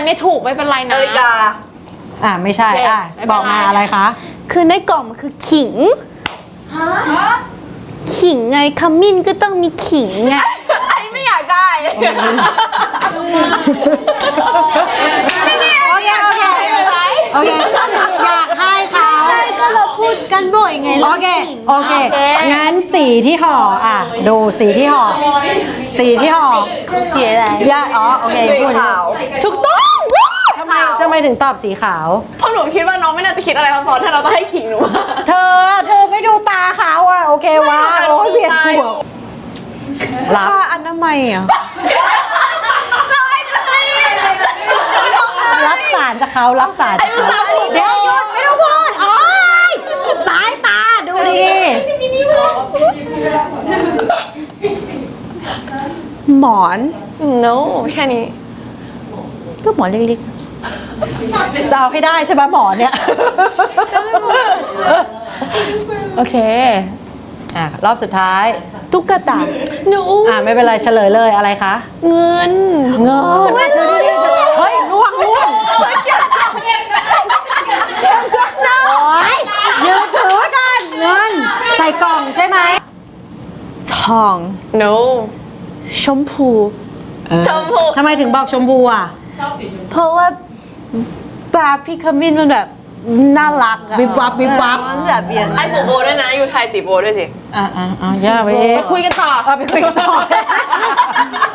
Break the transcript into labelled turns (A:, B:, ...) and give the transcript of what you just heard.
A: ไม่ถูกไม่เป็นไรนะ
B: นาฬิกา
C: ไม่ใช่บอกมาอะไรคะ
D: คือในกล่องมันคือขิงขิงไงขมิ้นก็ต้องมีขิงไง
B: ไอ้ไม่อยากได้
C: โอเคอยากให้เขา
D: ใช่ก็เราพูดกันบ่อยไง
C: โอเคงั้นสีที่ห่อดูสีที่ห่อสีอะไรโอเคพูด
B: ขาว
C: ถูกต้องทำไมถึงตอบสีขาว
B: เพราะหนูคิดว่าน้องไม่น่าจะคิดอะไรซับซ้อนถ้าเราจะให้ขิงหนู
C: เธอไม่ดูตาเขาโอเควะโอ้ยเวียนหัวรับ
D: อนามัยอ่ะ
C: รับสารจากเขารับสารจากเขาเดี๋ยวหยุดไม่ต้องพูดโอ๊ยสายตาดูดิ
D: หมอน
B: no แค่นี้
D: ก็หมอนเล็ก
C: จะเอาให้ได้ใช่ไหมหมอเนี่ย
A: โอเค
C: รอบสุดท้าย
D: ๆตุ๊กตา
B: หนู
C: ไม่เป็นไรเฉลยเลยอะไรคะ
B: เงิน
C: เงินเฮ้ยล่วงโอ๊ยยืนถือไว้ก่อนเงินใส่กล่องใช่ไหม
D: ทอง
B: no
D: ชมพู
B: ชมพู
C: ทำไมถึงบอกชมพูอ่ะ
D: เพราะว่าปลาพี่ขมิ้นมันแบบน่ารักอะ
C: วิบวับวิบวับ
D: มันแบบอย่าง
B: ไอ้ผูโบด้วยนะอยู่ไทยสีโบด้วยสิ
C: ย่าไปเอง
A: คุยกันต่อ
C: ไปคุยกันต่อ